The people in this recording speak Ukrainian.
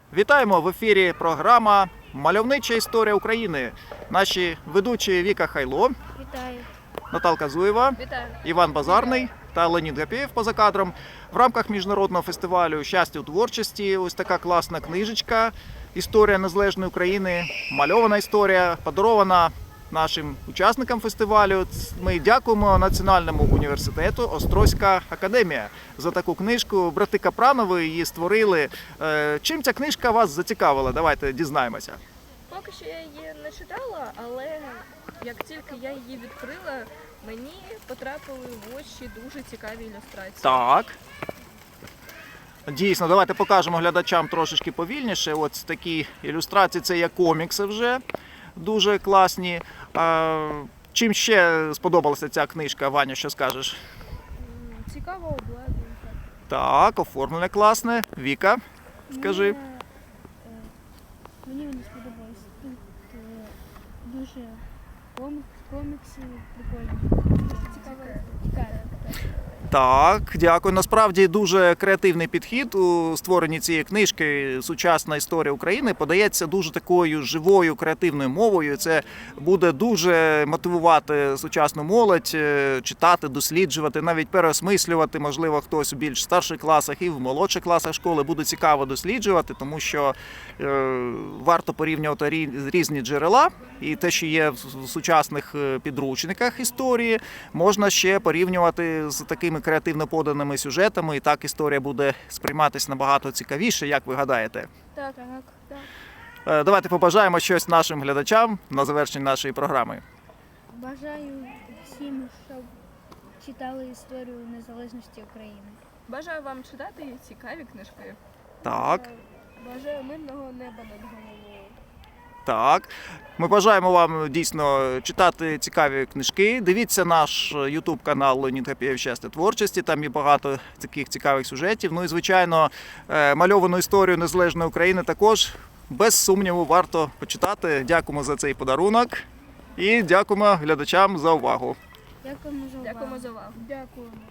Вітаємо в ефірі програма «Мальовнича історія України». Наші ведучі Віка Хайло, Вітаю. Наталка Зуєва, Вітаю. Іван Базарний та Леонід Гапєєв поза кадром. В рамках міжнародного фестивалю «Щастя у творчості» ось така класна книжечка «Історія незалежної України», мальована історія, подарована нашим учасникам фестивалю. Ми дякуємо Національному університету «Острозька академія» за таку книжку. Брати Капранови її створили. Чим ця книжка вас зацікавила? Давайте дізнаємося. Поки що я її не читала, але як тільки я її відкрила, мені потрапили в очі дуже цікаві ілюстрації. Так. Дійсно, давайте покажемо глядачам трошечки повільніше. Ось такі ілюстрації, це є комікси вже, дуже класні. Чим ще сподобалася ця книжка, Ваня, що скажеш? Цікаво обладнання. Так, оформлення класне. Віка, скажи. Мені вони сподобалось. Тут дуже комікси прикольні. Цікаво. Так, дякую. Насправді дуже креативний підхід у створенні цієї книжки «Сучасна історія України» подається дуже такою живою, креативною мовою. Це буде дуже мотивувати сучасну молодь читати, досліджувати, навіть переосмислювати. Можливо, хтось у більш старших класах і в молодших класах школи буде цікаво досліджувати, тому що варто порівнювати різні джерела. І те, що є в сучасних підручниках історії, можна ще порівнювати з такими креативно поданими сюжетами, і так історія буде сприйматися набагато цікавіше, як ви гадаєте. Так. Давайте побажаємо щось нашим глядачам на завершення нашої програми. Бажаю всім, щоб читали історію незалежності України. Бажаю вам читати цікаві книжки. Так. Бажаю мирного неба над головою. Так, ми бажаємо вам дійсно читати цікаві книжки. Дивіться наш YouTube канал Леонід Гапєєв «Щастя творчості». Там є багато таких цікавих сюжетів. Ну і, звичайно, мальовану історію незалежної України також, без сумніву, варто почитати. Дякуємо за цей подарунок і дякуємо глядачам за увагу. Дякуємо за увагу. Дякуємо за увагу. Дякуємо.